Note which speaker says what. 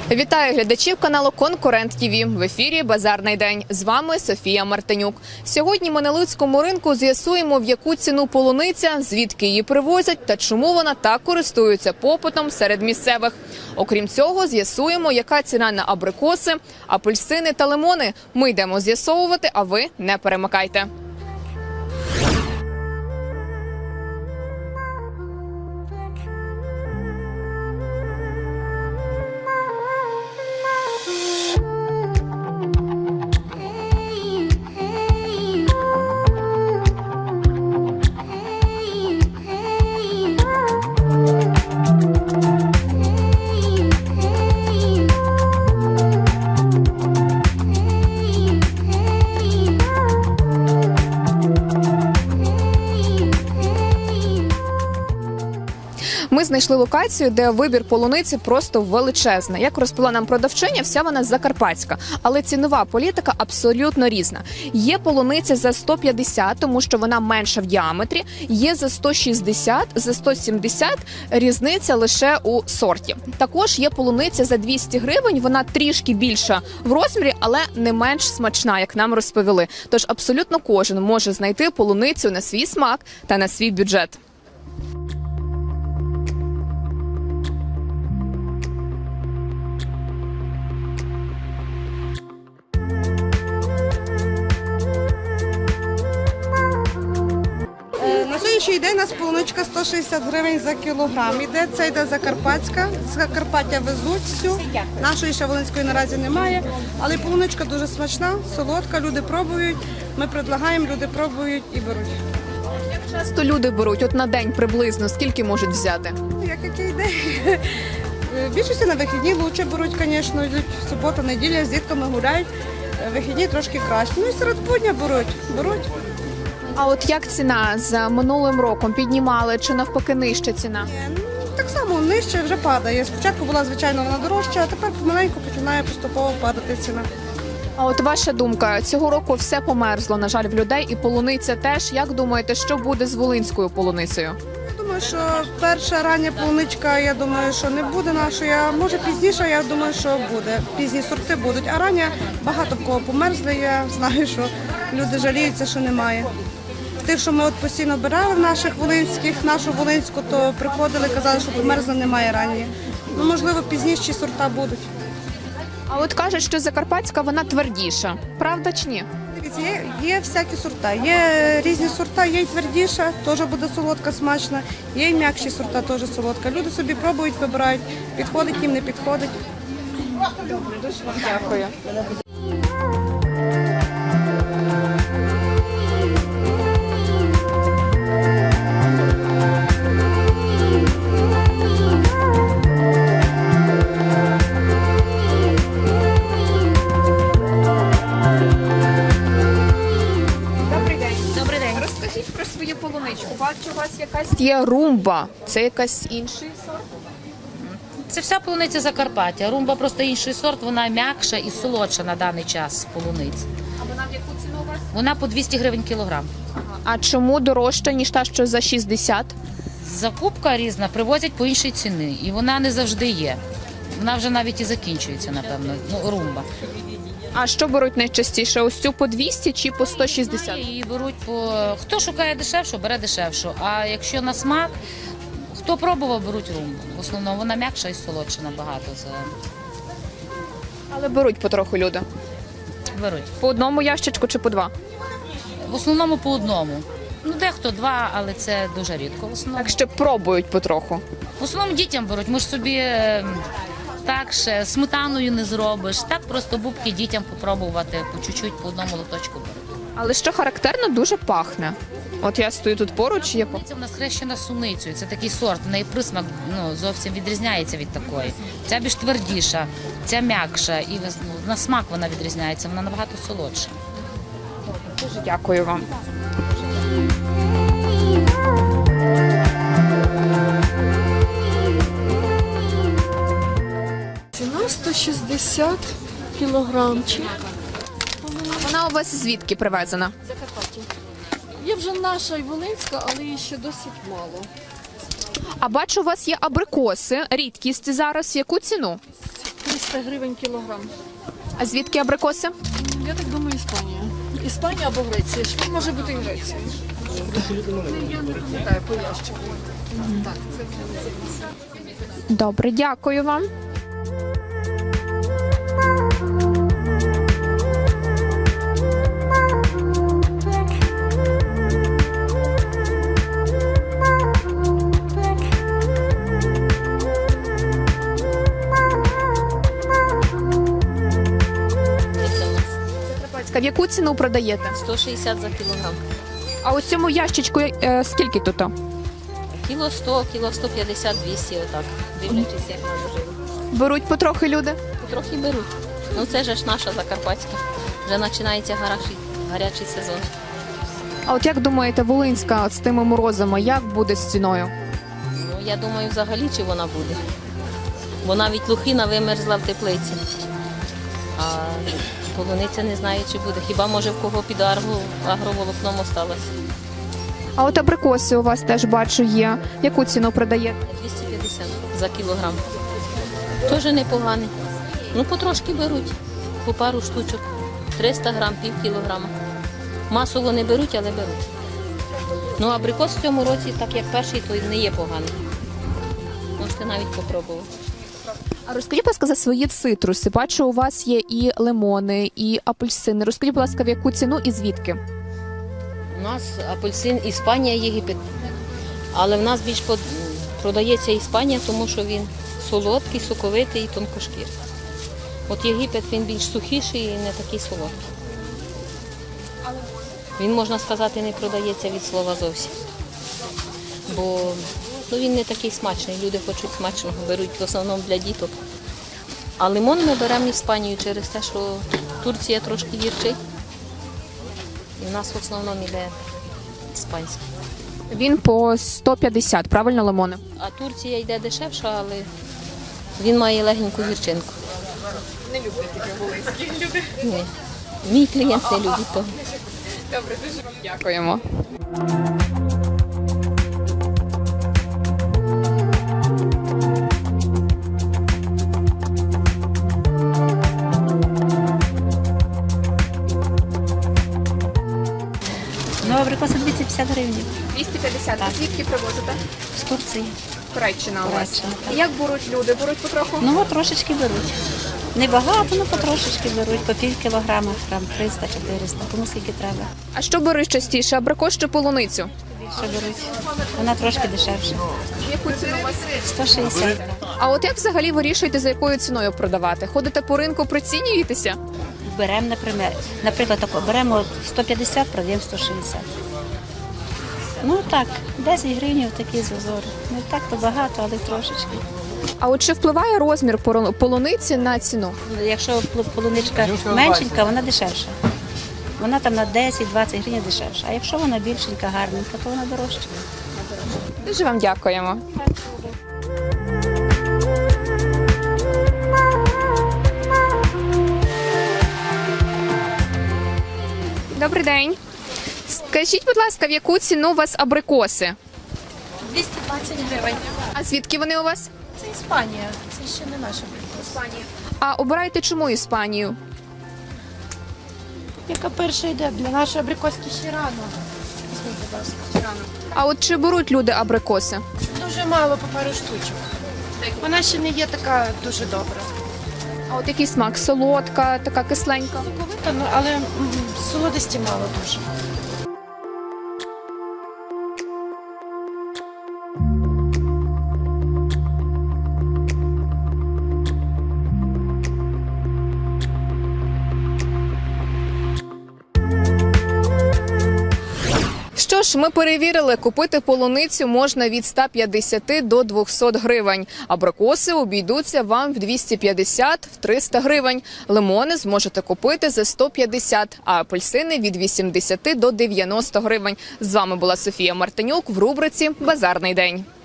Speaker 1: Вітаю глядачів каналу Конкурент ТІВІ. В ефірі «Базарний день». З вами Софія Мартинюк. Сьогодні ми на Луцькому ринку з'ясуємо, в яку ціну полуниця, звідки її привозять та чому вона так користується попитом серед місцевих. Окрім цього, з'ясуємо, яка ціна на абрикоси, апельсини та лимони. Ми йдемо з'ясовувати, а ви не перемикайте. Ми знайшли локацію, де вибір полуниці просто величезний. Як розповіла нам продавчиня, вся вона закарпатська, але цінова політика абсолютно різна. Є полуниця за 150, тому що вона менша в діаметрі, є за 160, за 170, різниця лише у сорті. Також є полуниця за 200 гривень, вона трішки більша в розмірі, але не менш смачна, як нам розповіли. Тож абсолютно кожен може знайти полуницю на свій смак та на свій бюджет.
Speaker 2: На сьогоднішній день у нас полуничка 160 гривень за кілограм іде. Це йде Закарпатська. З Закарпаття везуть всю. Нашої ще волинської наразі немає. Але полуничка дуже смачна, солодка, люди пробують. Ми предлагаємо, люди пробують і беруть.
Speaker 1: Як часто люди беруть? От на день приблизно скільки можуть взяти?
Speaker 2: Який день? Більшості на вихідні краще беруть, звісно, йдуть субота, неділя, з дітками гуляють. Вихідні трошки краще. Ну і серед будня беруть.
Speaker 1: А от як ціна з минулим роком? Піднімали чи навпаки нижча ціна?
Speaker 2: Так само нижче вже падає. Спочатку була, звичайно, вона дорожча, а тепер помаленьку починає поступово падати ціна.
Speaker 1: А от ваша думка, цього року все померзло, на жаль, в людей, і полуниця теж. Як думаєте, що буде з волинською полуницею?
Speaker 2: Я думаю, що перша рання полуничка, я думаю, що не буде нашої, а може пізніше, я думаю, що буде. Пізні сорти будуть, а рання багато в кого померзли, я знаю, що люди жаліються, що немає. Тих, що ми от постійно брали в наших волинських, нашу волинську, то приходили, казали, що померзла, немає ранньої. Ну, можливо, пізніші сорта будуть.
Speaker 1: А от кажуть, що закарпатська вона твердіша. Правда чи ні?
Speaker 2: Дивіться, є всякі сорта. Є різні сорта, є й твердіша, теж буде солодка, смачна, є й м'якші сорта, теж солодка. Люди собі пробують, вибирають, підходить їм, не підходить.
Speaker 1: Добре, дуже вам дякую. Розкажіть про свою полуничку. Бачу, у вас якась є румба. Це якась інший сорт?
Speaker 3: Це вся полуниця Закарпаття. Румба просто інший сорт, вона м'якша і солодша на даний час полуниць.
Speaker 1: А вона в яку ціну у вас?
Speaker 3: Вона по 200 гривень кілограм.
Speaker 1: А чому дорожча, ніж та, що за 60?
Speaker 3: Закупка різна, привозять по іншій ціні. І вона не завжди є. Вона вже навіть і закінчується, напевно, румба.
Speaker 1: А що беруть найчастіше? Ось цю по 200 чи по 160?
Speaker 3: Її беруть по... Хто шукає дешевшу, бере дешевшу. А якщо на смак, хто пробував, беруть румбу. В основному вона м'якша і солодша набагато.
Speaker 1: Але беруть потроху люди.
Speaker 3: Беруть.
Speaker 1: По одному ящичку чи по два?
Speaker 3: В основному по одному. Ну, дехто два, але це дуже рідко. В основному,
Speaker 1: Так що пробують потроху.
Speaker 3: в основному дітям беруть. Ми ж собі так ще сметаною не зробиш. Так просто бубки дітям попробувати, по чуть-чуть, по одному лоточку беруть.
Speaker 1: Але що характерно, дуже пахне. От я стою тут поруч, є
Speaker 3: Це в нас хрещена суницею. Це такий сорт, в неї присмак зовсім відрізняється від такої. Ця більш твердіша, ця м'якша і на смак вона відрізняється, вона набагато солодша.
Speaker 1: Дуже дякую вам.
Speaker 4: Ціна 160 кілограмчик.
Speaker 1: Вона у вас звідки привезена?
Speaker 4: Закарпаття. Є вже наша і волинська, але її ще досить мало.
Speaker 1: А бачу, у вас є абрикоси. Рідкість зараз. Яку ціну?
Speaker 4: 300 гривень кілограм.
Speaker 1: А звідки абрикоси?
Speaker 4: Я так думаю, Іспанія. Іспанія або Греція. Що може бути і Греція? Я не пам'ятаю по ящику. Так, це
Speaker 1: Добре, дякую вам. В яку ціну продаєте?
Speaker 5: 160 за кілограм.
Speaker 1: А ось цьому ящичку скільки тут?
Speaker 5: Кіло 100, кіло 150, 200 отак. Дивлячись, як воно живе.
Speaker 1: Беруть потрохи люди?
Speaker 5: Трохи беруть. Ну це ж наша Закарпатська. Вже починається гарячий сезон.
Speaker 1: А от як думаєте, Волинська от з тими морозами, як буде з ціною?
Speaker 5: Ну я думаю, взагалі чи вона буде. Бо навіть лухина вимерзла в теплиці. А полуниця не знаю, чи буде. Хіба може в кого під агроволокном осталось.
Speaker 1: А от абрикоси у вас теж бачу є. Яку ціну продаєте?
Speaker 5: 250 за кілограм. Теж непоганий. Ну, потрошки беруть, по пару штучок. 300 грам, пів кілограма. Масово не беруть, але беруть. Ну, абрикос в цьому році, так як перший, то не є поганий. Можете навіть попробувати.
Speaker 1: А розкажіть, будь ласка, за свої цитруси. Бачу, у вас є і лимони, і апельсини. Розкажіть, будь ласка, в яку ціну і звідки?
Speaker 5: У нас апельсин Іспанія, Єгипет. Але в нас більш продається Іспанія, тому що він солодкий, соковитий і тонкошкірий. От Єгипет він більш сухіший і не такий солодкий. Він, можна сказати, не продається від слова зовсім. Бо він не такий смачний. Люди хочуть смачного, беруть в основному для діток. А лимон ми беремо Іспанію через те, що Турція трошки гірчить. І в нас в основному йде іспанський.
Speaker 1: Він по 150, правильно, лимони?
Speaker 5: А Турція йде дешевша, але він має легеньку гірчинку.
Speaker 1: Не люблять такі волинські люди.
Speaker 5: Ні. Мій клієнт не любить того.
Speaker 1: Добре, дуже вам дякуємо.
Speaker 6: Ну, абрикоси 250 гривень
Speaker 1: 250. А звідки привозите?
Speaker 6: з Турції.
Speaker 1: Туреччина у вас.
Speaker 6: Туреччина, так.
Speaker 1: Як беруть люди? Беруть потроху?
Speaker 6: Ну, от трошечки беруть. Не багато, ну потрошечки беруть, по пів кілограма, грам 300-400, кому скільки треба.
Speaker 1: А що беруть частіше, абрикос чи полуницю?
Speaker 6: Більше беруть. Вона трошки дешевша.
Speaker 1: Яку ціну у вас?
Speaker 6: 160.
Speaker 1: А от як взагалі вирішуєте, за якою ціною продавати? Ходите по ринку, прицінюєтеся?
Speaker 6: Беремо, наприклад, тако, беремо от 150, продаємо 160. Ну так, 10 гривень такі зазори. Не так то багато, але трошечки.
Speaker 1: А от чи впливає розмір полуниці на ціну?
Speaker 6: Якщо полуничка меншенька, вона дешевша. Вона там на 10-20 гривень дешевша. А якщо вона більшенька, гарненька, то вона дорожча.
Speaker 1: Дуже вам дякуємо. Добрий день. Скажіть, будь ласка, в яку ціну у вас абрикоси?
Speaker 7: 220 гривень.
Speaker 1: А звідки вони у вас?
Speaker 7: Це Іспанія. Це ще не наша Іспанія.
Speaker 1: А обираєте чому Іспанію?
Speaker 7: Яка перша йде? Для нашої абрикоски ще рано. Візьміть, будь ласка, ще рано.
Speaker 1: А от чи беруть люди абрикоси?
Speaker 7: Дуже мало, по пару штучок. Вона ще не є така дуже добра.
Speaker 1: А от який смак? Солодка, така кисленька?
Speaker 7: Соковита, ну, але солодості мало дуже.
Speaker 1: Що ж, ми перевірили, купити полуницю можна від 150 до 200 гривень. Абрикоси обійдуться вам в 250-300 гривень. Лимони зможете купити за 150, а апельсини від 80 до 90 гривень. З вами була Софія Мартинюк в рубриці «Базарний день».